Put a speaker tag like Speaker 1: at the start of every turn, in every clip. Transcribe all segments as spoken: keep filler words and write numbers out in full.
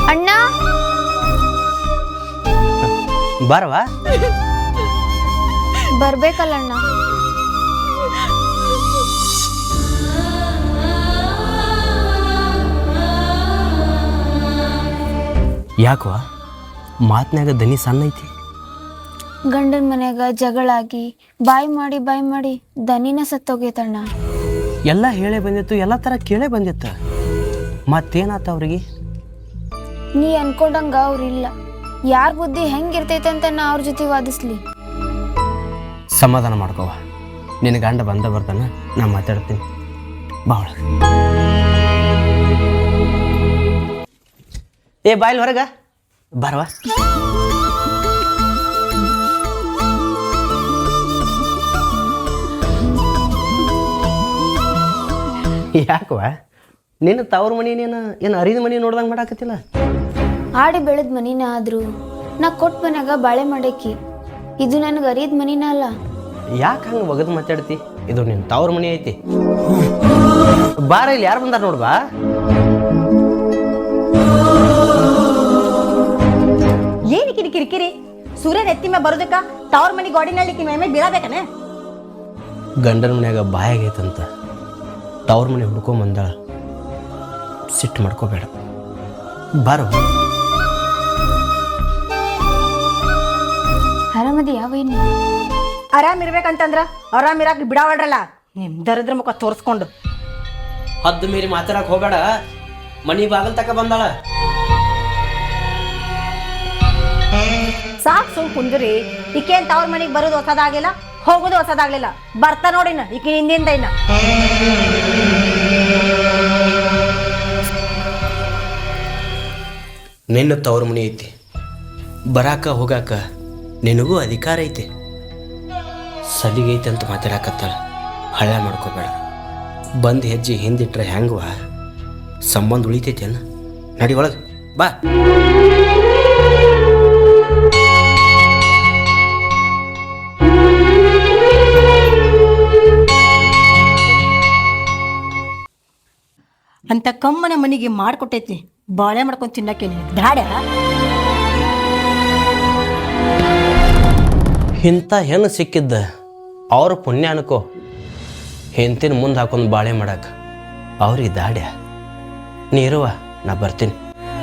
Speaker 1: ಅಣ್ಣ
Speaker 2: ಬರವಾ
Speaker 1: ಬರ್ಬೇಕಲ್ಲ ಅಣ್ಣ.
Speaker 2: ಯಾಕವ ಮಾತನಾಗ ದನಿ ಸಣ್ಣ ಐತಿ?
Speaker 1: ಗಂಡನ ಮನ್ಯಾಗ ಜಗಳಾಗಿ ಬಾಯ್ ಮಾಡಿ ಬಾಯ್ ಮಾಡಿ ದನಿನ ಸತ್ತೋಗೈತಣ್ಣ.
Speaker 2: ಎಲ್ಲ ಹೇಳೇ ಬಂದಿತ್ತು, ಎಲ್ಲ ಥರ ಕೇಳೇ ಬಂದಿತ್ತ. ಮತ್ತೇನಾತ ಅವ್ರಿಗೆ?
Speaker 1: ನೀ ಅನ್ಕೊಂಡಂಗ ಅವ್ರಿಲ್ಲ. ಯಾರ ಬುದ್ಧಿ ಹೆಂಗಿರ್ತೈತೆ ಅಂತ ನಾ ಅವ್ರ ಜೊತೆ ವಾದಿಸ್ಲಿ?
Speaker 2: ಸಮಾಧಾನ ಮಾಡ್ಕೋವ, ನಿನ್ನ ಗಂಡ ಬಂದ ಬರ್ತಾನ, ನಾ ಮಾತಾಡ್ತೀನಿ ಬಾಳ. ಏ ಬಾಯ್ಲ್ ಹೊರಗ ಬರವಾ. ಯಾಕವ ನಿನ್ನ ತವ್ರ ಮನಿ ನೀನು ಏನು ಅರಿದ ಮನಿ ನೋಡ್ದಂಗೆ ಮಾಡಾಕತ್ತಿಲ್ಲ?
Speaker 1: ಆಡಿ ಬೆಳೆದ ಮನಿನ ಆದ್ರು ನಾ ಕೊಟ್ಟ ಮನ್ಯಾಗ ಬಾಳೆ ಮಾಡೇಕಿ. ಇದು ನನಗೆ ಅರಿದ ಮನಿನ ಅಲ್ಲ.
Speaker 2: ಯಾಕೆ ಹಂಗೆ ಒಗದು ಮಾತಾಡ್ತಿ? ಇದು ನಿನ್ನ ತವ್ರ ಮನಿ ಐತಿ. ಬಾರ ಇಲ್ಲಿ ಯಾರು ಬಂದಾರ ನೋಡ್ಬಾ.
Speaker 3: ಏನು ಕಿರಿ ಕಿರಿಕಿರಿ? ಸೂರ್ಯನ ಎತ್ತಿ ಮೇ ಬರೋದಕ್ಕ ತವ್ರ ಮನಿ ಗೋಡಿನಲ್ಲಿ ಮೇ ಬೀಳಬೇಕನೆ?
Speaker 2: ಗಂಡನ ಮನ್ಯಾಗ ಬಾಯಾಗೈತಂತ ತವ್ರ ಮನೆ ಹುಡ್ಕೊಂಬಂದಾಳ. ಸಿಟ್ಟು ಮಾಡ್ಕೋಬೇಡ, ಬಾರೋ.
Speaker 1: ಆರಾಮದಿ ಯಾವೇನು?
Speaker 3: ಆರಾಮ್ ಇರ್ಬೇಕಂತಂದ್ರ ಆರಾಮ್ ಇರಾಕ್ ಬಿಡಾವಡ್ರಲ್ಲ ನಿಮ್ದರದ್ರ ಮುಖ ತೋರಿಸ್ಕೊಂಡು.
Speaker 2: ಹದ್ದು ಮೀರಿ ಮಾತಾಡಕ್ ಹೋಗಬೇಡ. ಮನಿ ಬಾಗಲ್ ತಕ ಬಂದಾಳ.
Speaker 3: ಸಾಕ್ ಸುಮ್ ಕುಂದ್ರಿ. ಈಕೇನ್ ತವ್ರ ಮನಿಗ್ ಬರೋದು ಹೊಸದಾಗ್ಲಿಲ್ಲ, ಹೋಗೋದು ಹೊಸದಾಗ್ಲಿಲ್ಲ. ಬರ್ತಾ ನೋಡಿನ ಈಕೆ ಹಿಂದಿಂದ ಇನ್ನ.
Speaker 2: ನಿನ್ನ ತವ್ರ ಮನಿ ಐತಿ, ಬರಾಕ ಹೋಗಾಕ ನಿನಗೂ ಅಧಿಕಾರ ಐತಿ. ಸಲಿಗೈತೆ ಅಂತ ಮಾತಾಡಕತ್ತಾಳ. ಹಳ್ಳ ಮಾಡ್ಕೋಬೇಡ. ಬಂದು ಹೆಜ್ಜೆ ಹಿಂದಿಟ್ರೆ ಹೆಂಗವ ಸಂಬಂಧ ಉಳಿತೈತೇನ? ನಡಿ ಒಳಗೆ ಬಾ.
Speaker 3: ಅಂತ ಕಮ್ಮನ ಮನಿಗೆ ಮಾಡ್ಕೊಟ್ಟೈತಿ ಬಾಳೆ ಮಾಡ್ಕೊಂಡು ತಿನ್ನಕ್ಕೇನೆ ದಾಡ.
Speaker 2: ಇಂಥ ಹೆಣ್ಣು ಸಿಕ್ಕಿದ್ದ ಅವ್ರ ಪುಣ್ಯ ಅನ್ಕೋ. ಹೆಂತಿನ ಮುಂದೆ ಹಾಕೊಂಡು ಬಾಳೆ ಮಾಡಕ್ಕೆ ಅವ್ರಿಗೆ ದಾಡ್ಯ. ನೀರುವ, ನಾ ಬರ್ತೀನಿ.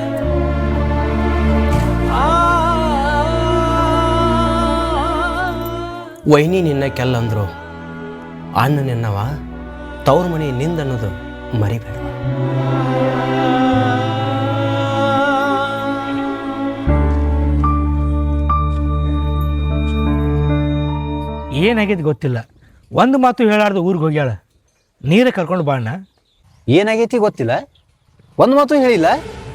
Speaker 2: ವೈನಿ ನಿನ್ನ ಕೆಲ್ಲಂದ್ರು, ಅಣ್ಣ ನಿನ್ನವ, ತವ್ರ ಮನೆ ನಿಂದ ಅನ್ನೋದು ಮರಿಬೇಡ.
Speaker 4: ಏನಾಗೈತಿ ಗೊತ್ತಿಲ್ಲ, ಒಂದು ಮಾತು ಹೇಳಾರ್ದು ಊರಿಗೆ ಹೋಗ್ಯಾಳ. ನೀರೇ ಕರ್ಕೊಂಡು ಬಾಣ.
Speaker 5: ಏನಾಗೈತಿ ಗೊತ್ತಿಲ್ಲ, ಒಂದು ಮಾತು ಹೇಳಿಲ್ಲ.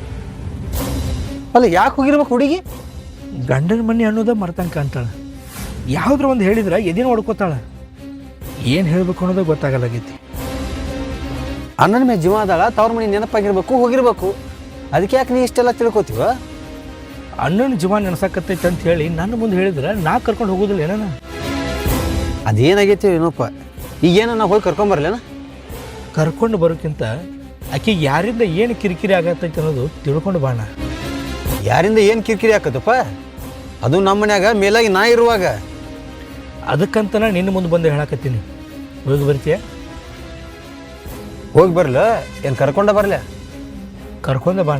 Speaker 5: ಅಲ್ಲ ಯಾಕೆ ಹೋಗಿರ್ಬೇಕು ಹುಡುಗಿ?
Speaker 4: ಗಂಡನ ಮನೆ ಅನ್ನೋದ ಮರ್ತಂಗೆ ಕಾಣ್ತಾಳೆ. ಯಾವುದ್ರ ಒಂದು ಹೇಳಿದ್ರೆ ಎದೇನು ಹೊಡ್ಕೋತಾಳೆ. ಏನು ಹೇಳಬೇಕು ಅನ್ನೋದು ಗೊತ್ತಾಗಲಾಗೈತಿ.
Speaker 5: ಅಣ್ಣನ ಮೇಲೆ ಜೀವ ಅದಾಳ, ತವ್ರ ಮನೆ ನೆನಪಾಗಿರ್ಬೇಕು, ಹೋಗಿರ್ಬೇಕು. ಅದಕ್ಕೆ ಯಾಕೆ ನೀ ಇಷ್ಟೆಲ್ಲ ತಿಳ್ಕೊತೀವ?
Speaker 4: ಅಣ್ಣನ ಜೀವ ನೆನಸಾಕತ್ತೈತೆ ಅಂತ ಹೇಳಿ ನನ್ನ ಮುಂದೆ ಹೇಳಿದ್ರೆ ನಾ ಕರ್ಕೊಂಡು ಹೋಗೋದಿಲ್ಲ ಏನ?
Speaker 5: ಅದೇನಾಗೈತಿ ಏನೋಪ್ಪ. ಈಗೇನ ನಾವು ಹೋಗಿ ಕರ್ಕೊಂಬರ್ಲೇನ?
Speaker 4: ಕರ್ಕೊಂಡು ಬರೋಕ್ಕಿಂತ ಆಕೆ ಯಾರಿಂದ ಏನು ಕಿರಿಕಿರಿ ಆಗತ್ತೈತೆ ಅನ್ನೋದು ತಿಳ್ಕೊಂಡು ಬಾಣ.
Speaker 5: ಯಾರಿಂದ ಏನು ಕಿರಿಕಿರಿ ಆಕತ್ತಪ್ಪ? ಅದು ನಮ್ಮ ಮನ್ಯಾಗ ಮೇಲಾಗಿ ನಾ ಇರುವಾಗ.
Speaker 4: ಅದಕ್ಕಂತ ನಾ ನಿನ್ನ ಮುಂದೆ ಬಂದು ಹೇಳಕತ್ತೀನಿ. ಹೋಗಿ ಬರ್ತೀಯ?
Speaker 5: ಹೋಗಿ ಬರಲ ಏನು ಕರ್ಕೊಂಡ ಬರಲ?
Speaker 4: ಕರ್ಕೊಂಡ ಬಾಣ.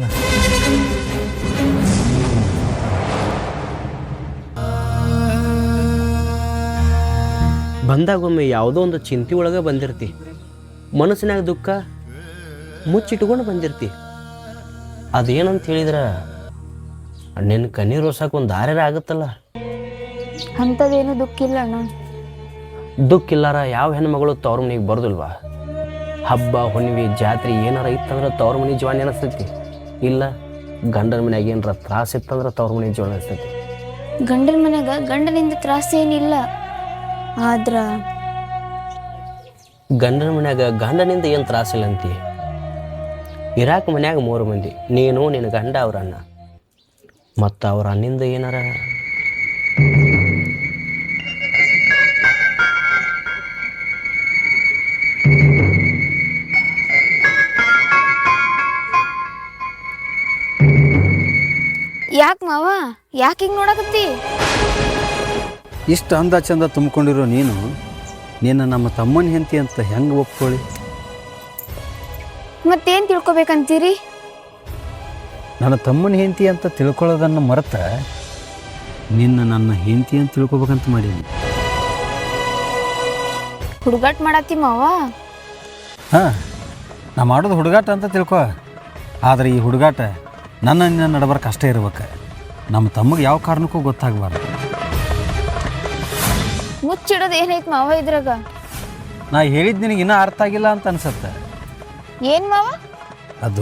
Speaker 2: ಬಂದಾಗೊಮ್ಮೆ ಯಾವುದೋ ಒಂದು ಚಿಂತೆ ಒಳಗೆ ಬಂದಿರ್ತಿ. ಮನಸ್ಸಿನಾಗ ದುಃಖ ಮುಚ್ಚಿಟ್ಕೊಂಡು ಬಂದಿರ್ತಿ. ಅದೇನಂತ ಹೇಳಿದ್ರೆ ನಿನ್ನ ಕಣ್ಣೀರು ಒರ್ಸಕ್ಕೆ ಒಂದು ದಾರ್ಯಾರ ಆಗುತ್ತಲ್ಲ.
Speaker 1: ಅಂಥದ್ದೇನು ದುಃಖ ಇಲ್ಲ ಅಣ್ಣ.
Speaker 2: ದುಃಖ ಇಲ್ಲಾರ ಯಾವ ಹೆಣ್ಮಗಳು ತವ್ರ ಮನೆಗೆ ಬರೋದಿಲ್ವಾ? ಹಬ್ಬ ಹುಣ್ಣಿಮೆ ಜಾತ್ರೆ ಏನಾರ ಇತ್ತಂದ್ರೆ ತವ್ರ ಮನೆ ಜೀವ ನೆನಸ್ತೈತಿ. ಇಲ್ಲ ಗಂಡನ ಮನ್ಯಾಗ ಏನಾರ ತ್ರಾಸ ಇತ್ತಂದ್ರೆ ತವ್ರ ಮನೆ ಜೀವ ನೆನಸ್ತೈತಿ.
Speaker 1: ಗಂಡನ ಮನ್ಯಾಗ ಗಂಡನಿಂದ ತ್ರಾಸ ಏನಿಲ್ಲ. ಆದ್ರ
Speaker 2: ಗಂಡನ ಮನ್ಯಾಗ ಗಂಡನಿಂದ ಏನು ತ್ರಾಸಿಲ್ಲ ಅಂತಿ. ಇರಾಕ ಮನ್ಯಾಗ ಮೂರು ಮಂದಿ, ನೀನು ನಿನ್ನ ಗಂಡ ಅವ್ರ ಅಣ್ಣ. ಮತ್ತು ಅವ್ರ ಅಣ್ಣಿಂದ ಏನಾರ
Speaker 1: ಯಾಕೆ ಮಾವ ಯಾಕೆ ಹಿಂಗೆ ನೋಡಕತ್ತಿ?
Speaker 5: ಇಷ್ಟು ಅಂದ ಚಂದ ತುಂಬಿಕೊಂಡಿರೋ ನೀನು ನಿನ್ನ ನಮ್ಮ ತಮ್ಮನ ಹೆಂಡತಿ ಅಂತ ಹೆಂಗೆ ಒಪ್ಕೊಳ್ಳಿ?
Speaker 1: ಮತ್ತೇನು ತಿಳ್ಕೊಬೇಕಂತೀರಿ?
Speaker 5: ನನ್ನ ತಮ್ಮನ ಹೆಂಡತಿ ಅಂತ ತಿಳ್ಕೊಳ್ಳೋದನ್ನು ಮರೆತ ನಿನ್ನ ನನ್ನ ಹೆಂಡತಿ ಅಂತ ತಿಳ್ಕೊಬೇಕಂತ ಮಾಡೀನಿ.
Speaker 1: ಹುಡುಗಾಟ ಮಾಡತ್ತಿ ಮಾವ?
Speaker 5: ಹಾಂ, ನಾ ಮಾಡೋದು ಹುಡುಗಾಟ ಅಂತ ತಿಳ್ಕೊ. ಆದರೆ ಈ ಹುಡುಗಾಟ ನನ್ನ ನಿನ್ನ ನಡಬರ್ಕ ಅಷ್ಟೇ ಇರ್ಬೇಕು. ನಮ್ಮ ತಮ್ಮಗೆ ಯಾವ ಕಾರಣಕ್ಕೂ ಗೊತ್ತಾಗಬಾರ್ದು.
Speaker 1: ಮುಚ್ಚಿಡೋದು ಏನೈತೆ ಮಾವ ಇದ್ರಾಗ?
Speaker 5: ನಾ ಹೇಳಿದ್ದು ನಿನಗೆ ಇನ್ನೂ ಅರ್ಥ ಆಗಿಲ್ಲ ಅಂತ ಅನ್ಸತ್ತೆ.
Speaker 1: ಏನು ಮಾವ?
Speaker 5: ಅದು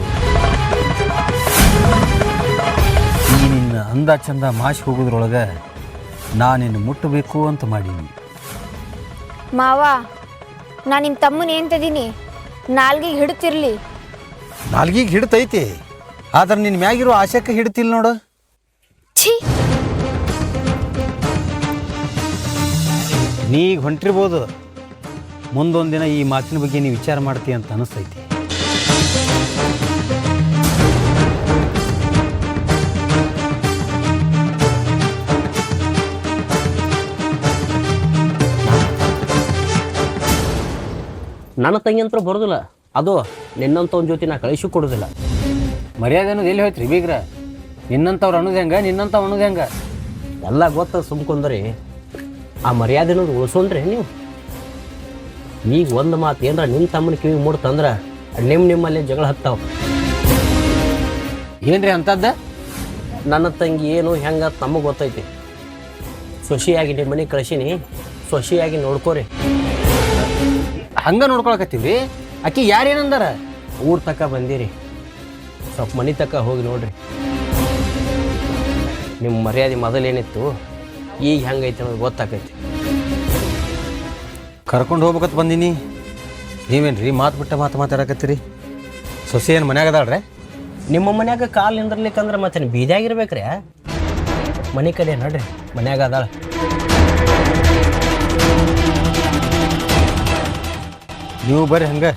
Speaker 5: ಈ ನಿನ್ನ ಅಂದ ಚಂದ ಮಾಸಿ ಹೋಗೋದ್ರೊಳಗೆ ನಾ ನಿನ್ನ ಮುಟ್ಟಬೇಕು ಅಂತ ಮಾಡೀನಿ.
Speaker 1: ಮಾವ, ನಾ ನಿಮ್ಮ ತಮ್ಮನ ಏನ್ತದೀನಿ, ನಾಲ್ಗಿಗೆ ಹಿಡ್ತಿರ್ಲಿ.
Speaker 5: ನಾಲ್ಗಿಗೆ ಹಿಡ್ತೈತಿ, ಆದ್ರೆ ನಿನ್ನ ಮ್ಯಾಗಿರೋ ಆಶಕ್ಕೆ ಹಿಡ್ತಿಲ್ಲ ನೋಡು.
Speaker 1: ಛೀ,
Speaker 5: ನೀ ಈಗ ಹೊಂಟಿರ್ಬೋದು, ಮುಂದೊಂದು ದಿನ ಈ ಮಾತಿನ ಬಗ್ಗೆ ನೀವು ವಿಚಾರ ಮಾಡ್ತೀಯ ಅಂತ ಅನಿಸ್ತೈತಿ.
Speaker 2: ನನ್ನ ತಂಗಿ ಅಂತೂ ಬರೋದಿಲ್ಲ, ಅದು ನಿನ್ನಂಥವ್ನ ಜೊತೆ ನಾ ಕಳಿಸಿ ಕೊಡೋದಿಲ್ಲ.
Speaker 5: ಮರ್ಯಾದೆ ಅನ್ನೋದು ಎಲ್ಲಿ ಹೋಯ್ತು ರೀ ಬೀಗ್ರ? ನಿನ್ನಂಥವ್ರು ಅನ್ನೋದು ಹೆಂಗೆ, ನಿನ್ನಂಥವ್ ಅನ್ನೋದು ಹೆಂಗೆ?
Speaker 2: ಎಲ್ಲ ಗೊತ್ತ ಸುಮ್ಕೊಂಡ್ರಿ ಆ ಮರ್ಯಾದೆ ಅನ್ನೋದು ಉಳಿಸೋನ್ರಿ ನೀವು. ಈಗ ಒಂದು ಮಾತು ಏನಾರ ನಿಮ್ಮ ತಮ್ಮನ ಕಿವಿಗೆ ಮೂಡ್ತಂದ್ರೆ ನಿಮ್ಮ ನಿಮ್ಮಲ್ಲಿ ಜಗಳ ಹತ್ತಾವ.
Speaker 5: ಏನ್ರಿ ಅಂತದ್ದ?
Speaker 2: ನನ್ನ ತಂಗಿ ಏನು ಹೆಂಗೆ ನಮಗೆ ಗೊತ್ತೈತಿ. ಸೊಸಿಯಾಗಿ ನಿಮ್ಮ ಮನೆಗೆ ಕಳಿಸೀನಿ, ಸೊಸಿಯಾಗಿ ನೋಡ್ಕೋರಿ.
Speaker 5: ಹಂಗೆ ನೋಡ್ಕೊಳಕತ್ತೀವಿ. ಆಕಿ ಯಾರೇನಂದಾರ?
Speaker 2: ಊರ್ ತಕ್ಕ ಬಂದಿರಿ, ಸ್ವಲ್ಪ ಮನೆ ತಕ್ಕ ಹೋಗಿ ನೋಡ್ರಿ. ನಿಮ್ಮ ಮರ್ಯಾದೆ ಮೊದಲೇನಿತ್ತು, ಈಗ ಹೆಂಗೈತೆ ಅನ್ನೋದು ಗೊತ್ತಾಕೈತಿ.
Speaker 5: ಕರ್ಕೊಂಡು ಹೋಗ್ಬೇಕತ್ ಬಂದೀನಿ, ನೀವೇನು ರೀ ಮಾತು ಬಿಟ್ಟ ಮಾತು ಮಾತಾಡಕತ್ತೀರಿ? ಸೊಸೆ ಏನು ಮನ್ಯಾಗ ಅದಾಳ್ರೆ?
Speaker 2: ನಿಮ್ಮ ಮನ್ಯಾಗ ಕಾಲು ನಿಂದ್ರಲಿಕ್ಕಂದ್ರೆ ಮತ್ತೆ ಬೀದಿಯಾಗಿರ್ಬೇಕ್ರಿ. ಮನೆ ಕಡೆ ನಡ್ರಿ, ಮನ್ಯಾಗ ಅದಾಳ.
Speaker 5: ನೀವು ಬರ್ರಿ ಹಂಗೆ.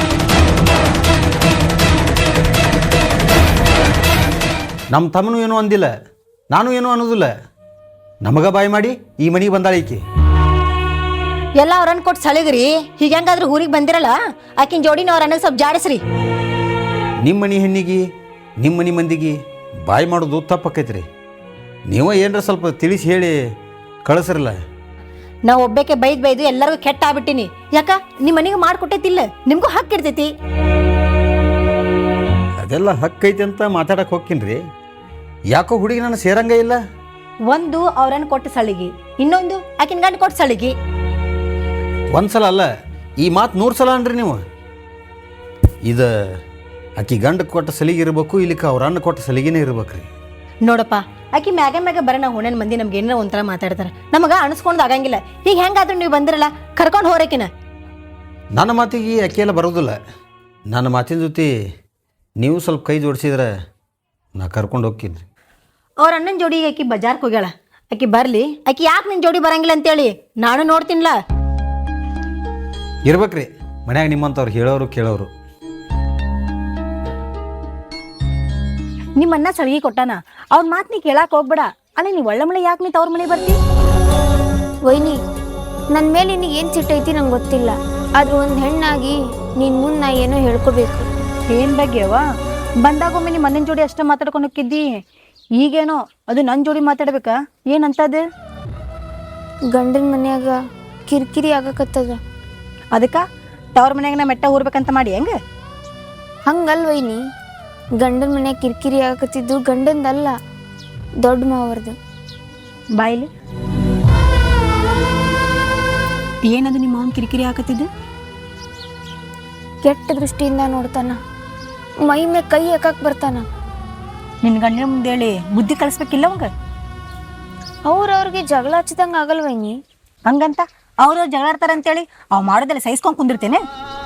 Speaker 5: ನಮ್ಮ ತಮ್ಮನು ಏನೂ ಅಂದಿಲ್ಲ, ನಾನು ಏನೂ ಅನ್ನೋದಿಲ್ಲ. ನಮಗ ಬಾಯಿ ಮಾಡಿ ಈ ಮನೆಗೆ ಬಂದಾಳ ಈಕಿ.
Speaker 3: ಎಲ್ಲ ಅವ್ರನ್ನ ಕೊಟ್ಟು ಸಳಿಗ್ರಿ. ಹೀಗೆ ಹೆಂಗಾದ್ರೂ ಊರಿಗೆ ಬಂದಿರಲ್ಲ, ಆಕಿನ ಜೋಡಿನ ಅವ್ರ ಅನ್ನಕ್ಕೆ ಸ್ವಲ್ಪ ಜಾಡಿಸ್ರಿ.
Speaker 5: ನಿಮ್ಮ ಮನೆ ಹೆಣ್ಣಿಗೆ ನಿಮ್ಮ ಮನೆ ಮಂದಿಗೆ ಬಾಯಿ ಮಾಡೋದು ತಪ್ಪಕ್ಕೈತ್ರಿ. ನೀವು ಏನರ ಸ್ವಲ್ಪ ತಿಳಿಸಿ ಹೇಳಿ ಕಳಿಸ್ರಲ್ಲ.
Speaker 3: ನಾ ಒಬ್ಬಕ್ಕೆ ಬೈದ್ ಬೈದು ಎಲ್ಲರಿಗೂ ಕೆಟ್ಟ ಆಗ್ಬಿಟ್ಟಿನಿ. ಯಾಕ ನಿಮ್ಮ ಮನೆಗೆ ಮಾಡ್ಕೊಟ್ಟೈತಿಲ್ಲ, ನಿಮ್ಗೂ ಹಕ್ಕು ಇರ್ತೈತಿ.
Speaker 5: ಅದೆಲ್ಲ ಹಕ್ಕೈತಿ ಅಂತ ಮಾತಾಡಕ್ಕೆ ಹೋಗ್ತೀನಿ. ಯಾಕೋ ಹುಡುಗಿ ನಾನು ಸೇರಂಗ ಇಲ್ಲ.
Speaker 3: ಒಂದು ಅವ್ರನ್ನ ಕೊಟ್ಟು ಸಳಿಗಿ, ಇನ್ನೊಂದು ಆಕಿನ ಗಂಡ ಕೊಟ್ಟು ಸಳಿಗಿ.
Speaker 5: ಒಂದ್ಸಲ ಅಲ್ಲ, ಈ ಮಾತು ನೂರು ಸಲ ಅನ್ರಿ ನೀವು. ಇದು ಆಕಿ ಗಂಡ ಕೊಟ್ಟ ಸಲಿಗೆ ಇರಬೇಕು, ಇಲ್ಲಿಕ್ಕೆ ಅವ್ರ ಅನ್ನ ಕೊಟ್ಟ ಸಲಿಗೆನೇ ಇರ್ಬೇಕ್ರಿ.
Speaker 3: ನೋಡಪ್ಪ, ಆಕಿ ಮ್ಯಾಗ ಮ್ಯಾಗ ಬರೋಣ ಹುಣನ್ ಮಂದಿ ನಮ್ಗೆ ಏನಾರ ಒಂಥರ ಮಾತಾಡ್ತಾರೆ. ನಮಗ ಅನಿಸ್ಕೊಂಡು ಆಗಂಗಿಲ್ಲ. ಈಗ ಹೆಂಗಾದ್ರೂ ನೀವು ಬಂದಿರಲ್ಲ, ಕರ್ಕೊಂಡು ಹೋರಕಿನ.
Speaker 5: ನನ್ನ ಮಾತಿಗೆ ಆಕೆ ಎಲ್ಲ ಬರೋದಿಲ್ಲ. ನನ್ನ ಮಾತಿನ ಜೊತೆ ನೀವು ಸ್ವಲ್ಪ ಕೈ ಜೋಡಿಸಿದ್ರೆ ನಾ ಕರ್ಕೊಂಡು ಹೋಗ್ತೀನಿ.
Speaker 3: ಅವ್ರ ಅಣ್ಣನ ಜೋಡಿಗೆ ಆಕಿ ಬಜಾರ್ಗೆ ಹೋಗ್ಯಾಳ. ಆಕಿ ಬರಲಿ. ಆಕಿ ಯಾಕೆ ನಿನ್ನ ಜೋಡಿ ಬರಂಗಿಲ್ಲ ಅಂತೇಳಿ ನಾನು ನೋಡ್ತೀನಿಲ್ಲ.
Speaker 5: ಇರ್ಬೇಕ್ರಿ ಮನ್ಯಾಗ ನಿಮ್ಮಂಥವ್ರು ಹೇಳೋರು ಕೇಳೋರು.
Speaker 3: ನಿಮ್ಮ ಅಣ್ಣ ಸಳಿಗೆ ಕೊಟ್ಟಾನ, ಅವ್ನ ಮಾತು ನೀ ಕೇಳಕ್ಕೆ ಹೋಗ್ಬೇಡ. ಅಲ್ಲಿ ನೀವು ಒಳ್ಳೆ ಮಳೆ ಯಾಕೆ ನೀ ತವ್ರ ಮನೆ ಬರ್ತಿ?
Speaker 1: ವೈನಿ, ನನ್ನ ಮೇಲೆ ನಿನಗೆ ಏನು ಸಿಟ್ಟೈತಿ ನಂಗೆ ಗೊತ್ತಿಲ್ಲ. ಆದ್ರೆ ಒಂದು ಹೆಣ್ಣಾಗಿ ನೀನು ಮುಂದೆ ನಾ ಏನೋ ಹೇಳ್ಕೋಬೇಕು.
Speaker 3: ಏನು ಬಗ್ಗೆವ? ಬಂದಾಗೊಮ್ಮೆ ನಿಮ್ಮ ಅಣ್ಣನ ಜೋಡಿ ಅಷ್ಟೇ ಮಾತಾಡ್ಕೊಂಡು ಹೋಗಿದ್ದಿ. ಈಗೇನೋ ಅದು ನನ್ನ ಜೋಡಿ ಮಾತಾಡ್ಬೇಕಾ? ಏನಂತದ?
Speaker 1: ಗಂಡನ ಮನ್ಯಾಗ ಕಿರಿಕಿರಿ ಆಗಕತ್ತದ.
Speaker 3: ಅದಕ್ಕೆ ತವ್ರ ಮನ್ಯಾಗ ನಾ ಮೆಟ್ಟ ಊರ್ಬೇಕಂತ ಮಾಡಿ ಹೆಂಗೆ?
Speaker 1: ಹಂಗಲ್ ವೈನಿ, ಗಂಡನ ಮನ್ಯಾಗ ಕಿರಿಕಿರಿ ಆಗಕತ್ತಿದ್ದು ಗಂಡಂದಲ್ಲ, ದೊಡ್ಡ ಮಾವರ್ದು.
Speaker 3: ಬಾಯಿಲಿ ಏನದು ನಿಮ್ಮ ಅವ್ನ ಕಿರಿಕಿರಿ ಹಾಕತ್ತಿದ್ದು?
Speaker 1: ಕೆಟ್ಟ ದೃಷ್ಟಿಯಿಂದ ನೋಡ್ತಾನ, ಮೈ ಮೇಲೆ ಕೈ ಹಾಕಕ್ಕೆ ಬರ್ತಾನ.
Speaker 3: ನಿನ್ನ ಗಂಡನ ಮುಂದೆ ಹೇಳಿ ಬುದ್ಧಿ ಕಲಿಸ್ಬೇಕಿಲ್ಲ ಅವಂಗ.
Speaker 1: ಅವ್ರವ್ರಿಗೆ ಜಗಳ ಹಚ್ಚಿದಂಗೆ ಆಗಲ್ ವೈನಿ.
Speaker 3: ಹಂಗಂತ ಅವ್ರವ್ರು ಜಗಳ ಆಡ್ತಾರ ಅಂತೇಳಿ ಅವ್ ಮಾಡೋದೆಲ್ಲ ಸಹಿಸ್ಕೊಂಡು ಕುಂದಿರ್ತೇನೆ.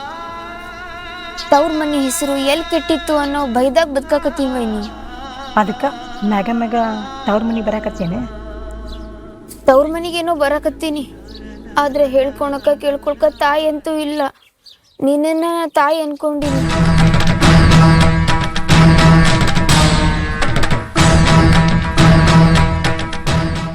Speaker 1: ತವ್ರ ಮನೆ ಹೆಸರು ಎಲ್ಲಿ ಕೆಟ್ಟಿತ್ತು ಅನ್ನೋ ಭಯದಾಗ ಬದುಕಾಕತ್ತೀವಿ ವೈನಿ.
Speaker 3: ಅದಕ್ಕೆ ಮ್ಯಾಗ ಮ್ಯಾಗ ತವ್ರ ಮನೆ ಬರಾಕತ್ತೇನೆ.
Speaker 1: ತವ್ರ ಮನೆಗೇನೋ ಬರಾಕತ್ತೀನಿ, ಆದ್ರೆ ಹೇಳ್ಕೊಳಕ ಕೇಳ್ಕೊಳ್ಕ ತಾಯಿ ಅಂತೂ ಇಲ್ಲ. ನಿನ್ನ ತಾಯಿ ಅನ್ಕೊಂಡಿನಿ.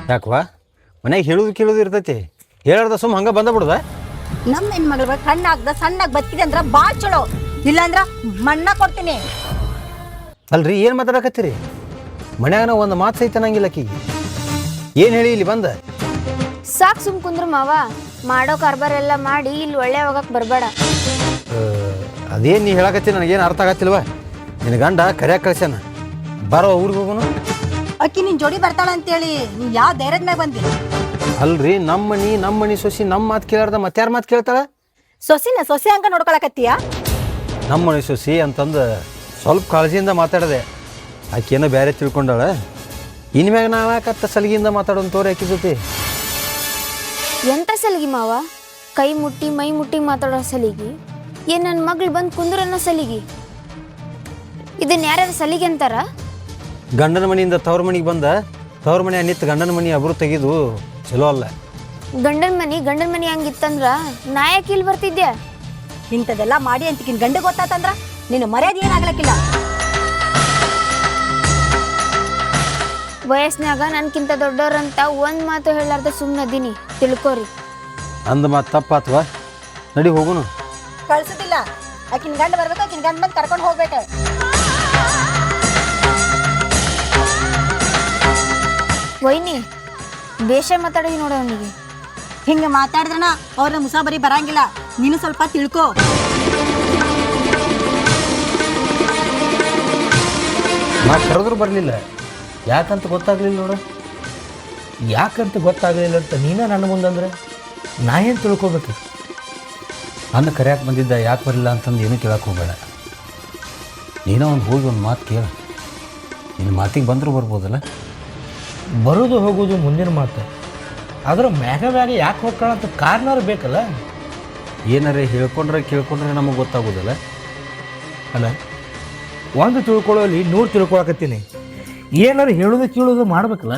Speaker 5: ಯಾಕವಾ ಮನ್ಯಾಗ ಹೇಳುದು ಕೇಳುದು ಇರ್ತೈತಿ ಹೇಳಾರ್ದ ಸುಮ್ಮ ಹಂಗೆ ಬಂದ ಬಿಡುದ
Speaker 3: ನಮ್ಮ ಹೆಣ್ಮಗಳ ಕಣ್ಣಾಗ್ದ ಸಣ್ಣಾಗಿ ಬದುಕಿದೆ ಅಂದ್ರ ಭಾಳ ಚಲೋ ಇಲ್ಲಾಂದ್ರ ಮಣ್ಣ ಕೊಡ್ತೀನಿ.
Speaker 5: ಅಲ್ರಿ ಏನು ಮಾತಾಡಕತ್ತೀರಿ ಮನ್ಯಾಗ ಒಂದು ಮಾತು ಸಹಿತ ಅನ್ನಂಗಿಲ್ಲ ಆಕಿಗೆ ಏನು ಹೇಳಿ ಇಲ್ಲಿ ಬಂದ
Speaker 1: ಸಾಕು ಸುಮ್ ಕುಂದ್ರು ಮಾವ, ಮಾಡೋ ಕಾರ್ಬಾರ್ ಎಲ್ಲ ಮಾಡಿ ಇಲ್ಲಿ ಒಳ್ಳೆ ಹೋಗಕ್ಕೆ ಬರಬೇಡ.
Speaker 5: ಅದೇನು ನೀ ಹೇಳಕತ್ತಿ ನನಗೇನು ಅರ್ಥ ಆಗತ್ತಿಲ್ವ ನಿನ್ನ ಗಂಡ ಕರ್ಯಾಕ ಕಳ್ಸ್ಯಾನ ಬರೋ ಊರಿಗೆ ಹೋಗೋನು.
Speaker 3: ಅಕ್ಕಿ ನಿನ್ ಜೋಡಿ ಬರ್ತಾಳ ಅಂತೇಳಿ ನೀ ಯಾವ ಧೈರ್ಯದ ಮ್ಯಾಗ ಬಂದಿ?
Speaker 5: ಅಲ್ರಿ ನಮ್ಮ ಮನಿ ನಮ್ಮ ಮನಿ ಸೊಸಿ ನಮ್ಮ ಮಾತು ಕೇಳಾರ್ದ ಮತ್ತಾರ ಮಾತು ಕೇಳ್ತಾಳ?
Speaker 3: ಸೊಸಿನ ಸೊಸಿ ಹಂಗ ನೋಡ್ಕೊಳಕತ್ತೀಯ?
Speaker 5: ನಮ್ಮ ಮನೆ ಸೊಸಿ ಅಂತಂದು ಸ್ವಲ್ಪ ಕಾಳಜಿಯಿಂದ ಮಾತಾಡಿದೆ ಆಕೆನೋ ಬೇರೆ ತಿಳ್ಕೊಂಡಾಳ. ಇನ್ಮ್ಯಾಗ ನಾವು ಯಾಕತ್ತ ಸಲಿಗೆಯಿಂದ ಮಾತಾಡೋನ್ ತೋರಿ ಆಕಿ ಜೊತೆ.
Speaker 1: ಎಂತ ಸಲಿಗೆ ಮಾವ? ಕೈ ಮುಟ್ಟಿ ಮೈ ಮುಟ್ಟಿ ಮಾತಾಡೋ ಸಲಿಗೆ? ಏನ್ ನನ್ನ ಮಗಳು ಬಂದು ಕುಂದ್ರನ್ನೋ ಸಲಿಗೆ? ಇದನ್ನ ಯಾರ್ಯಾರು ಸಲಿಗೆ ಅಂತಾರ?
Speaker 5: ಗಂಡನ ಮನೆಯಿಂದ ತವ್ರ ಮನೆಗೆ ಬಂದ ತವ್ರ ಮನೆ ನಿಂತು ಗಂಡನ ಮನೆ ಅಬ್ರು ತೆಗೆದು ಚಲೋ ಅಲ್ಲ.
Speaker 1: ಗಂಡನ ಮನಿ ಗಂಡನ ಮನಿ ಹಂಗಿತ್ತಂದ್ರ ನಾ ಯಾಕೆ ಇಲ್ಲಿ ಬರ್ತಿದ್ದೆ?
Speaker 3: ಇಂಥದೆಲ್ಲ ಮಾಡಿ ಅಂತಿಕಿನ್ ಗಂಡ ಗೊತ್ತಾತಂದ್ರ ನಿನ್ನ ಮರ್ಯಾದೆ ಏನಾಗ್ಲಕ್ಕಿಲ್ಲ.
Speaker 1: ವಯಸ್ಸಿನಾಗ ನನ್ಕಿಂತ ದೊಡ್ಡವ್ರಂತ ಒಂದ್ ಮಾತು ಹೇಳಾರ್ದ ಸುಮ್ಮನದೀನಿ, ತಿಳ್ಕೊರಿ.
Speaker 5: ಅಂದ ಮಾತು ತಪ್ಪಾತ್ವಾ ನಡಿ ಹೋಗುನು.
Speaker 3: ಕಳ್ಸುದಿಲ್ಲ, ಆಕಿನ ಗಂಡ ಬರ್ಬೇಕು, ಆಕಿನ ಗಂಡ ಬಂದು ಕರ್ಕೊಂಡು ಹೋಗ್ಬೇಕು.
Speaker 1: ವೈನಿ ಬೇಷ ಮಾತಾಡಿ ನೋಡ ಅವನಿಗೆ.
Speaker 3: ಹಿಂಗ ಮಾತಾಡಿದ್ರನ ಅವ್ರನ್ನ ಮುಸಾಬರಿ ಬರಂಗಿಲ್ಲ, ನೀನು ಸ್ವಲ್ಪ ತಿಳ್ಕೊ.
Speaker 5: ನಾ ಕರೆದ್ರು ಬರಲಿಲ್ಲ ಯಾಕಂತ ಗೊತ್ತಾಗ್ಲಿಲ್ಲ ನೋಡು.
Speaker 4: ಯಾಕಂತ ಗೊತ್ತಾಗಲಿಲ್ಲ ಅಂತ ನೀನೇ ನನ್ನ ಮುಂದಂದ್ರೆ ನಾ ಏನು ತಿಳ್ಕೊಬೇಕು?
Speaker 5: ನನ್ನ ಕರ್ಯಾಕೆ ಬಂದಿದ್ದ ಯಾಕೆ ಬರಲಿಲ್ಲ ಅಂತಂದು ಏನೂ ಕೇಳಕ್ಕೆ ಹೋಗಬೇಡ. ನೀನೋ ಒಂದು ಹೋಗಿ ಒಂದು ಮಾತು ಕೇಳ, ನಿನ್ನ ಮಾತಿಗೆ ಬಂದರೂ ಬರ್ಬೋದಲ್ಲ.
Speaker 4: ಬರೋದು ಹೋಗೋದು ಮುಂದಿನ ಮಾತು, ಆದ್ರೆ ಮ್ಯಾಗ ಮ್ಯಾಗ ಯಾಕೆ ಹೋಗ್ಕೊಳ್ಳೋ ಅಂತ ಕಾರಣವ್ರು ಬೇಕಲ್ಲ.
Speaker 5: ಏನಾರೇ ಹೇಳ್ಕೊಂಡ್ರೆ ಕೇಳ್ಕೊಂಡ್ರೆ ನಮಗೆ ಗೊತ್ತಾಗೋದಲ್ಲ.
Speaker 4: ಅಲ್ಲ, ಒಂದು ತಿಳ್ಕೊಳ್ಳೋಲ್ಲಿ ನೂರು ತಿಳ್ಕೊಳಕತ್ತೀನಿ. ಏನಾರು ಹೇಳೋದು ಕೇಳೋದು ಮಾಡ್ಬೇಕಲ್ಲ.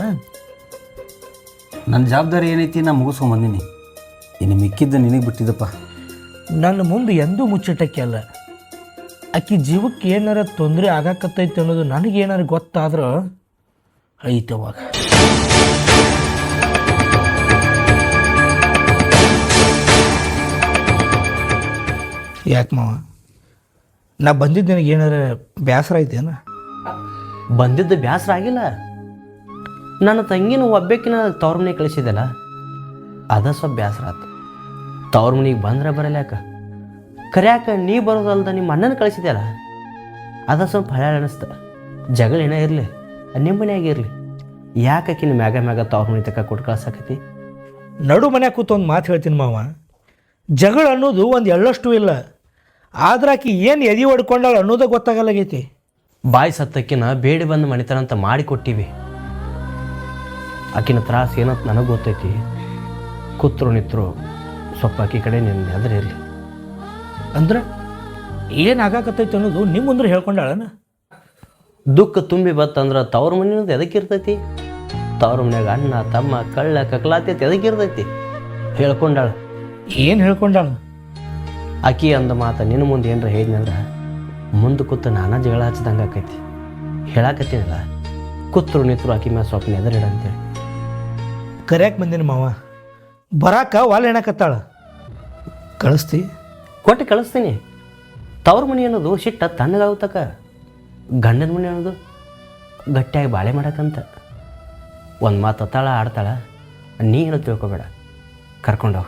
Speaker 5: ನನ್ನ ಜವಾಬ್ದಾರಿ ಏನೈತಿ ನಾ ಮುಗಿಸ್ಕೊಂಬಂದಿನಿ, ಇನ್ನು ಮಿಕ್ಕಿದ್ದು ನಿನಗೆ ಬಿಟ್ಟಿದ್ದಪ್ಪ.
Speaker 4: ನನ್ನ ಮುಂದೆ ಎಂದೂ ಮುಚ್ಚಿಟ್ಟಕ್ಕೆ ಅಲ್ಲ. ಆಕಿ ಜೀವಕ್ಕೆ ಏನಾರ ತೊಂದರೆ ಆಗಾಕತ್ತೈತೆ ಅನ್ನೋದು ನನಗೇನಾರು ಗೊತ್ತಾದ್ರೆ ಐತವಾಗ. ಯಾಕೆ ಮಾವ, ನಾ ಬಂದಿದ್ದು ನನಗೆ ಏನಾರ ಬೇಸರ ಐತೇನ?
Speaker 2: ಬಂದಿದ್ದು ಬೇಸರ ಆಗಿಲ್ಲ. ನನ್ನ ತಂಗಿನ ಒಬ್ಬಾಕಿನ ತವ್ರ ಮನೆಗೆ ಕಳಿಸಿದೆಲ್ಲ ಅದ ಸ್ವಲ್ಪ ಬೇಸರ ಆಯ್ತು. ತವ್ರ ಮನೆಗೆ ಬಂದ್ರೆ ಬರಲ್ಲ ಯಾಕೆ, ಕರ್ಯಾಕ ನೀ ಬರೋದಲ್ದ ನಿಮ್ಮ ಅಣ್ಣನ ಕಳಿಸಿದೆಯಲ್ಲ ಅದ ಸ್ವಲ್ಪ ಹಳೆ ಅನಿಸ್ತ. ಜಗಳ ಏನೋ ಇರಲಿ, ನಿಮ್ಮ ಮನೆಯಾಗ ಇರಲಿ, ಯಾಕಿನ ಮ್ಯಾಗ ಮ್ಯಾಗ ತವ್ರ ಮನೆ ತಕ್ಕ ಕೊಟ್ಟು ಕಳ್ಸಾಕತಿ?
Speaker 4: ನಡು ಮನ್ಯಾಗ ಕೂತು ಒಂದು ಮಾತು ಹೇಳ್ತೀನಿ ಮಾವ, ಜಗಳ ಅನ್ನೋದು ಒಂದು ಎಳ್ಳಷ್ಟು ಇಲ್ಲ, ಆದ್ರೆ ಆಕಿ ಏನು ಎದೆ ಹೊಡ್ಕೊಂಡಾಳ ಅನ್ನೋದೇ ಗೊತ್ತಾಗಲ್ಲಾಗೈತಿ.
Speaker 2: ಬಾಯಿ ಸತ್ತಕ್ಕಿನ ಬೇಡಿ ಬಂದು ಮಣಿತನ ಅಂತ ಮಾಡಿ ಕೊಟ್ಟಿವಿ. ಆಕಿನ ತ್ರಾಸ ಏನಂತ ನನಗೆ ಗೊತ್ತೈತಿ. ಕೂತ್ರು ನಿತ್ರು ಸ್ವಲ್ಪ ಆಕಿ ಕಡೆ ನಿನ್ನ ಎದುರು ಇರಲಿ.
Speaker 4: ಅಂದ್ರೆ ಏನು ಆಗಾಕತ್ತೈತಿ ಅನ್ನೋದು ನಿಮ್ಮ ಮುಂದ್ರೆ ಹೇಳ್ಕೊಂಡಾಳನ?
Speaker 2: ದುಃಖ ತುಂಬಿ ಬತ್ತಂದ್ರೆ ತವ್ರ ಮನೆಯದು ಎದಕ್ಕಿರ್ತೈತಿ? ತವ್ರ ಮನ್ಯಾಗ ಅಣ್ಣ ತಮ್ಮ ಕಳ್ಳ ಕಕ್ಲಾತಿ ಎದಕ್ಕಿರ್ತೈತಿ? ಹೇಳ್ಕೊಂಡಾಳ.
Speaker 4: ಏನು ಹೇಳ್ಕೊಂಡಾಳ?
Speaker 2: ಆಕಿ ಅಂದ ಮಾತ ನಿನ್ನ ಮುಂದೆ ಏನರ ಹೇಳಿದ್ನಂದ್ರೆ ಮುಂದೆ ಕೂತು ನಾನಾ ಜಗಳ ಹಚ್ಚಿದಂಗೆ ಆಕೈತಿ. ಹೇಳಾಕತ್ತೀನಲ್ಲ, ಕೂತ್ರು ನಿತ್ರು ಆಕಿ ಮ್ಯಾಲ ಸ್ವಲ್ಪ ಎದುರಿಡ ಅಂತೇಳಿ.
Speaker 4: ಕರ್ಯಾಕೆ ಬಂದಿನ ಮಾವ, ಬರಾಕ ವಾಲ್ ಹೆಣಕತ್ತಾಳ, ಕಳಿಸ್ತಿ?
Speaker 2: ಕೊಟ್ಟು ಕಳಿಸ್ತೀನಿ. ತವ್ರ ಮನೆ ಅನ್ನೋದು ಸಿಟ್ಟ ತಣ್ಣಗಾಗುತ್ತಕ, ಗಂಡನ ಮನೆ ಅನ್ನೋದು ಗಟ್ಟಿಯಾಗಿ ಬಾಳೆ ಮಾಡಕ್ಕಂತ. ಒಂದು ಮಾತು ಅತ್ತಾಳ ಆಡ್ತಾಳ, ನೀ ಏನೋ ತಿಳ್ಕೊಬೇಡ, ಕರ್ಕೊಂಡೋಗ.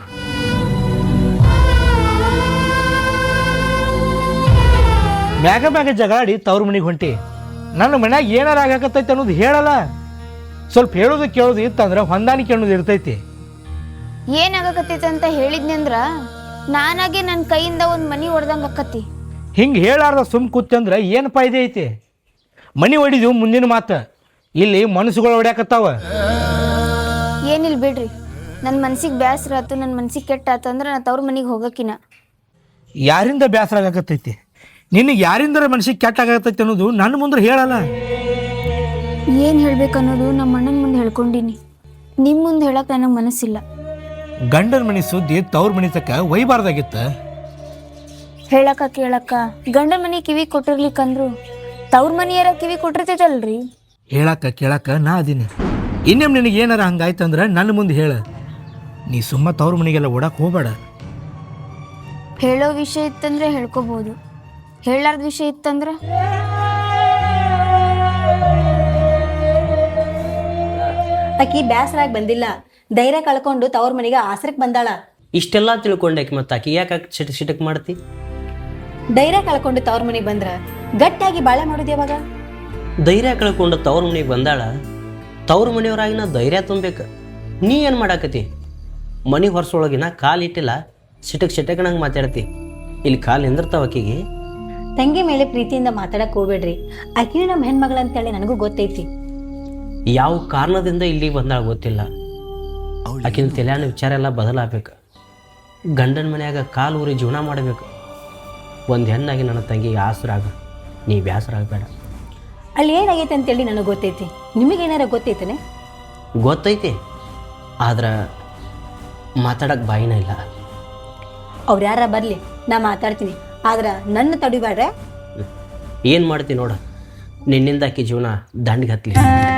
Speaker 4: ಮ್ಯಾಗ ಮ್ಯಾಗ ಜಗಾಡಿ ತವ್ರ ಮನೆಗೆ ಹೊಂಟಿ, ನನ್ನ ಮನ್ಯಾಗ ಏನಾರ ಆಗಾಕತ್ತೈತಿ ಅನ್ನೋದು ಹೇಳಲ್ಲ. ಸ್ವಲ್ಪ ಹೇಳೋದು ಕೇಳೋದು ಇತ್ತಂದ್ರೆ ಹೊಂದಾಣಿಕೆ ಅನ್ನೋದು ಇರ್ತೈತಿ.
Speaker 1: ಏನಾಗಕತ್ತೈತೆ ಅಂತ ಹೇಳಿದ್ನಿ ಅಂದ್ರ ನಾನಾಗೆ ನನ್ನ ಕೈಯಿಂದ ಒಂದು ಮನಿ ಹೊಡೆದಂಗೆ ಅಕ್ಕತಿ.
Speaker 4: ಹಿಂಗೆ ಹೇಳಾರ್ದ ಸುಮ್ ಕೂತಂದ್ರೆ ಏನು ಫಾಯ್ದೆ ಐತಿ? ಮನಿ ಹೊಡಿದು ಮುಂದಿನ ಮಾತು, ಇಲ್ಲಿ ಮನಸ್ಸುಗಳು ಹೊಡ್ಯಾಕತ್ತಾವ.
Speaker 1: ಏನಿಲ್ಲ ಬಿಡ್ರಿ, ನನ್ನ ಮನ್ಸಿಗೆ ಬೇಸರ ಆಯ್ತು, ನನ್ನ ಮನ್ಸಿಗೆ ಕೆಟ್ಟ ಆಯ್ತು ಅಂದ್ರೆ ನಾ ತವ್ರ ಮನೆಗೆ ಹೋಗಕ್ಕಿನ.
Speaker 4: ಯಾರಿಂದ ಬೇಸರ ಆಗಾಕತ್ತೈತಿ? ನಿನಗೆ ಯಾರಿಂದರ ಮನಸ್ಸಿಗೆ ಕೆಟ್ಟ ಆಗತ್ತೈತಿ ಅನ್ನೋದು ನನ್ನ ಮುಂದೆ ಹೇಳಲ್ಲ.
Speaker 1: ಏನು ಹೇಳ್ಬೇಕು ಅನ್ನೋದು ನಮ್ಮ ಅಣ್ಣನ ಮುಂದೆ ಹೇಳ್ಕೊಂಡಿನಿ, ನಿಮ್ಮ ಮುಂದೆ ಹೇಳಕ್ಕೆ ನನಗೆ ಮನಸ್ಸಿಲ್ಲ.
Speaker 4: ಗಂಡನ ಮನೆ ಸುದ್ದಿ ತವ್ರ ಮನೆ ತಕ್ಕ ಒಯ್ಬಾರ್ದಾಗಿತ್ತ.
Speaker 1: ಹೇಳಕ್ಕ ಕೇಳಕ್ಕ ಗಂಡನ ಮನೆ ಕಿವಿ ಕೊಟ್ಟಿರ್ಲಿಕ್ಕಂದ್ರು ತವ್ರ ಮನೆಯರ ಕಿವಿ ಕೊಟ್ಟಿರ್ತೈತಲ್ರಿ.
Speaker 4: ಹೇಳಕ್ಕ ಕೇಳಕ್ಕ ನಾ ಅದೀನಿ, ಇನ್ನೇಮ್ ನಿನಗೆ ಏನಾರ ಹಂಗಾಯ್ತಂದ್ರೆ ನನ್ನ ಮುಂದೆ ಹೇಳ. ನೀ ಸುಮ್ಮ ತವ್ರ ಮನೆಗೆಲ್ಲ ಓಡಕ್ಕೆ ಹೋಗಬೇಡ.
Speaker 1: ಹೇಳೋ ವಿಷಯ ಇತ್ತಂದ್ರೆ ಹೇಳ್ಕೊಬೋದು, ಹೇಳಾರ್ದ ವಿಷಯ ಇತ್ತಂದ್ರೆ
Speaker 3: ಆಕಿ ಬ್ಯಾಸರಾಗಿ ಬಂದಿಲ್ಲ, ಧೈರ್ಯ ಕಳ್ಕೊಂಡು ತವ್ರ ಮನೆಗೆ ಆಸರಕ್ಕೆ ಬಂದಾಳ.
Speaker 2: ಇಷ್ಟೆಲ್ಲ ತಿಳ್ಕೊಂಡಾಕಿ ಮತ್ತು ಆಕಿ ಯಾಕೆ ಚಿಟಕ್ ಚಿಟಕ್ ಮಾಡ್ತಿ?
Speaker 3: ಧೈರ್ಯ ಕಳ್ಕೊಂಡು ತವ್ರ ಮನೆಗೆ ಬಂದ್ರ ಗಟ್ಟಿಯಾಗಿ ಬಾಳೆ ಮಾಡೋದು ಯಾವಾಗ?
Speaker 2: ಧೈರ್ಯ ಕಳ್ಕೊಂಡು ತವ್ರ ಮನೆಗೆ ಬಂದಾಳ, ತವ್ರ ಮನೆಯವ್ರಾಗಿ ನಾ ಧೈರ್ಯ ತುಂಬಬೇಕು. ನೀ ಏನು ಮಾಡಾಕತಿ? ಮನೆ ಹೊರಸೊಳಗಿನ ಕಾಲು ಇಟ್ಟಿಲ್ಲ, ಸಿಟಕ್ ಸಿಟಕ್ನಂಗೆ ಮಾತಾಡ್ತಿ. ಇಲ್ಲಿ ಕಾಲು ನಿಂದಿರ್ತಾವ ಆಕಿಗೆ.
Speaker 3: ತಂಗಿ ಮೇಲೆ ಪ್ರೀತಿಯಿಂದ ಮಾತಾಡಕ್ ಹೋಗ್ಬೇಡ್ರಿ. ಆಕಿನೂ ನಮ್ಮ ಹೆಣ್ಮಗಳಂತೇಳಿ ನನಗೂ ಗೊತ್ತೈತಿ.
Speaker 2: ಯಾವ ಕಾರಣದಿಂದ ಇಲ್ಲಿಗೆ ಬಂದಾಳ ಗೊತ್ತಿಲ್ಲ. ಆಕಿನ ತಲೆಯಾನ ವಿಚಾರ ಎಲ್ಲ ಬದಲಾಗಬೇಕು. ಗಂಡನ ಮನ್ಯಾಗ ಕಾಲು ಊರಿ ಜೀವನ ಮಾಡಬೇಕು. ಒಂದು ಹೆಣ್ಣಾಗಿ ನನ್ನ ತಂಗಿಗೆ ಆಸರಾಗ, ನೀ ಬ್ಯಾಸರಾಗಬೇಡ.
Speaker 3: ಅಲ್ಲಿ ಏನಾಗೈತೆ ಅಂತೇಳಿ ನನಗೆ ಗೊತ್ತೈತಿ. ನಿಮಗೇನಾರ ಗೊತ್ತೈತೇನೆ?
Speaker 2: ಗೊತ್ತೈತಿ, ಆದ್ರೆ ಮಾತಾಡಕ್ಕೆ ಬಾಯಿನ ಇಲ್ಲ.
Speaker 3: ಅವ್ರು ಯಾರ ಬರಲಿ, ನಾ ಮಾತಾಡ್ತೀನಿ. ಆದ್ರೆ ನನ್ನ ತಡಿಬೇಡ್ರೆ.
Speaker 2: ಏನು ಮಾಡ್ತೀನಿ ನೋಡ, ನಿನ್ನಿಂದ ಆಕಿ ಜೀವನ ದಂಡಿಗೆ ಹತ್ತಲಿ.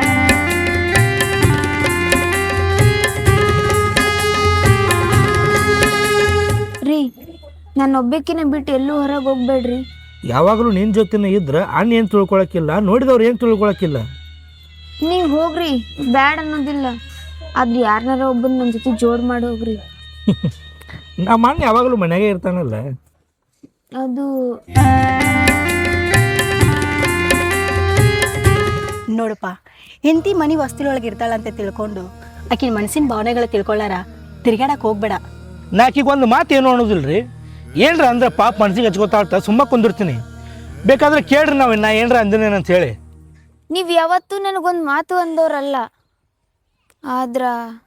Speaker 1: ರೀ, ನಾನು ಒಬ್ಬಕ್ಕಿನ ಬಿಟ್ಟು ಎಲ್ಲೂ ಹೊರಗೆ ಹೋಗ್ಬೇಡ್ರಿ.
Speaker 4: ಯಾವಾಗಲೂ ನಿನ್ನ ಜೊತೆನೇ ಇದ್ರೆ ಅಣ್ಣ ಏನು ತಿಳ್ಕೊಳಕ್ಕಿಲ್ಲ, ನೋಡಿದವ್ರು ಏನು ತಿಳ್ಕೊಳಕ್ಕಿಲ್ಲ.
Speaker 1: ನೀವು ಹೋಗ್ರಿ, ಬ್ಯಾಡ್ ಅನ್ನೋದಿಲ್ಲ. ಆದ್ರೆ ಯಾರನ್ನಾರ ಒಬ್ಬನ ನನ್ನ ಜೊತೆ ಜೋಡ್ ಮಾಡಿ ಹೋಗ್ರಿ.
Speaker 4: ನಮ್ಮ ಅಣ್ಣ ಯಾವಾಗಲೂ ಮನೆಯಾಗೆ ಇರ್ತಾನಲ್ಲ.
Speaker 1: ಅದು
Speaker 3: ನೋಡಪ್ಪ, ಹೆಂಡತಿ ಮನೆ ವಸ್ತುಳೊಳಗೆ ಇರ್ತಾಳಂತ ತಿಳ್ಕೊಂಡು ಆಕಿನ ಮನಸ್ಸಿನ ಭಾವನೆಗಳು ತಿಳ್ಕೊಳ್ಳಾರ ತಿರ್ಗಾಡಕ್ಕೆ ಹೋಗ್ಬೇಡ.
Speaker 4: ನಾಕೀಗ ಒಂದು ಮಾತು ಏನು ಅನ್ನೋದಿಲ್ರಿ. ಏನ್ರ ಅಂದ್ರೆ ಪಾಪ ಮನ್ಸಿಗೆ ಹಚ್ಕೋತಾಳ್ತ ಸುಮ್ಮ ಕುಂದಿರ್ತೀನಿ. ಬೇಕಾದ್ರೆ ಕೇಳ್ರಿ ನಾವು ನಾ ಏನ್ರ ಅಂದಿನೇನು ಅಂತ ಹೇಳಿ.
Speaker 1: ನೀವು ಯಾವತ್ತೂ ನನಗೊಂದು ಮಾತು ಅಂದವ್ರಲ್ಲ, ಆದ್ರ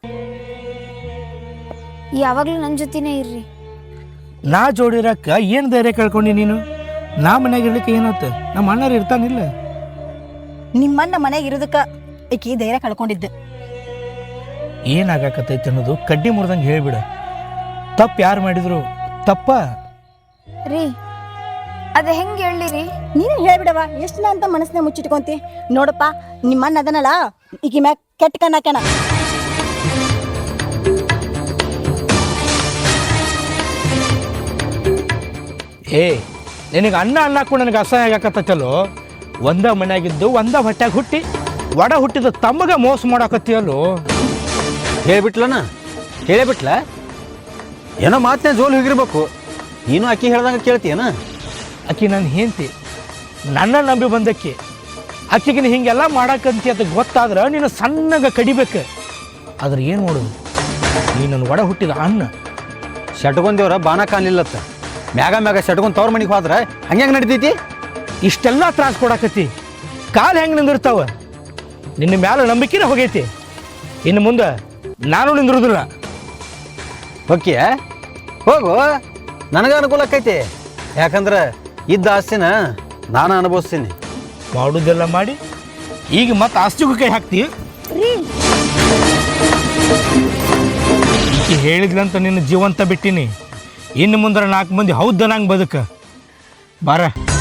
Speaker 1: ಯಾವಾಗಲೂ ನನ್ನ ಜೊತೆನೇ ಇರ್ರಿ.
Speaker 4: ನಾ ಜೋಡಿರಕ್ಕ ಏನು ಧೈರ್ಯ ಕಳ್ಕೊಂಡು ನೀನು? ನಾ ಮನ್ಯಾಗ ಇರ್ಲಿಕ್ಕೆ ಏನಾಯ್ತು? ನಮ್ಮ ಅಣ್ಣರು ಇರ್ತಾನಿಲ್ಲ.
Speaker 3: ನಿಮ್ಮನ್ನ ಮನೆಗೆ ಇರೋದಕ್ಕೆ ಆಕಿ ಧೈರ್ಯ ಕಳ್ಕೊಂಡಿದ್ದೆ.
Speaker 4: ಏನಾಗಕತ್ತೈತೆ ಅನ್ನೋದು ಕಡ್ಡಿ ಮುರಿದಂಗೆ ಹೇಳಿಬಿಡ. ತಪ್ಪು ಯಾರು ಮಾಡಿದ್ರು ತಪ್ಪ
Speaker 1: ರೀ. ಅದು ಹೆಂಗೆ ಹೇಳಿರಿ?
Speaker 3: ನೀನು ಹೇಳ್ಬಿಡವ, ಎಷ್ಟು ಅಂತ ಮನಸ್ಸನ್ನ ಮುಚ್ಚಿಟ್ಕೊಂತಿ. ನೋಡಪ್ಪ, ನಿಮ್ಮನ್ನ ಅದನ್ನಲ್ಲ ಈಕಿ ಮ್ಯಾಗ ಕೆಟ್ಟ ಕಣ್ಣಾಕಣ.
Speaker 4: ಏ, ನಿನಗೆ ಅಣ್ಣ ಅಣ್ಣಕ್ಕೂ ನನಗೆ ಅಸಹ್ಯ ಆಗಕತ್ತಲ್ಲೋ. ಒಂದ ಮನ್ಯಾಗಿದ್ದು ಒಂದ ಹೊಟ್ಯಾಗ ಹುಟ್ಟಿ ಒಡ ಹುಟ್ಟಿದ ತಮ್ಮಗ ಮೋಸ ಮಾಡಾಕತ್ತೀಯಲ್ಲೋ.
Speaker 5: ಹೇಳಿಬಿಟ್ಲನ ಹೇಳಿಬಿಟ್ಲ ಏನೋ ಮಾತನ್ನ ಜೋಲ್ ಹೋಗಿರ್ಬೇಕು. ನೀನು ಅಕ್ಕಿ ಹೇಳ್ದಂಗೆ ಕೇಳ್ತೀಯನ?
Speaker 4: ಆಕಿ ನನ್ನ ಹೆಂಡತಿ, ನನ್ನ ನಂಬಿ ಬಂದಕ್ಕೆ. ಆಕಿಗಿನ ಹಿಂಗೆಲ್ಲ ಮಾಡಾಕಂತಿ ಅಂತ ಗೊತ್ತಾದ್ರೆ ನೀನು ಸಣ್ಣಗೆ ಕಡಿಬೇಕು. ಆದ್ರೆ ಏನು ಮಾಡೋದು, ನೀ ನನ್ನ ಒಡ ಹುಟ್ಟಿದ ಅಣ್ಣ.
Speaker 5: ಶಟ್ಕೊಂದೇವ್ರ ಬಾಣ ಕಾಲಿಲ್ಲತ್ತ, ಮ್ಯಾಗ ಮ್ಯಾಗ ಶಟ್ಕೊಂಡ್ ತವ್ರ ಮನೆಗೆ ಹೋದ್ರೆ ಹಂಗೆ ನಡಿತೈತಿ?
Speaker 4: ಇಷ್ಟೆಲ್ಲ ತ್ರಾಸ ಕೊಡಾಕತ್ತಿ, ಕಾಲು ಹೆಂಗೆ ನಿಂದಿರ್ತಾವ? ನಿನ್ನ ಮ್ಯಾಲ ನಂಬಿಕೆನೇ ಹೋಗೈತಿ. ಇನ್ನು ಮುಂದೆ ನಾನು ನಿಂದಿರೋದಿಲ್ಲ.
Speaker 5: ಓಕೆ, ಹೋಗು, ನನಗೆ ಅನುಕೂಲ ಆಕೈತಿ. ಯಾಕಂದ್ರೆ ಇದ್ದ ಆಸ್ತಿನ ನಾನು ಅನುಭವಿಸ್ತೀನಿ.
Speaker 4: ಮಾಡೋದೆಲ್ಲ ಮಾಡಿ ಈಗ ಮತ್ತೆ ಆಸ್ತಿಗೂ ಕೈ ಹಾಕ್ತಿ. ಈಕೆ ಹೇಳಿದ್ಲಂತ ನಿನ್ನ ಜೀವಂತ ಬಿಟ್ಟಿನಿ. ಇನ್ನು ಮುಂದೆ ನಾಲ್ಕು ಮಂದಿ ಹೌದ ನಂಗೆ ಬದುಕ ಬಾರ.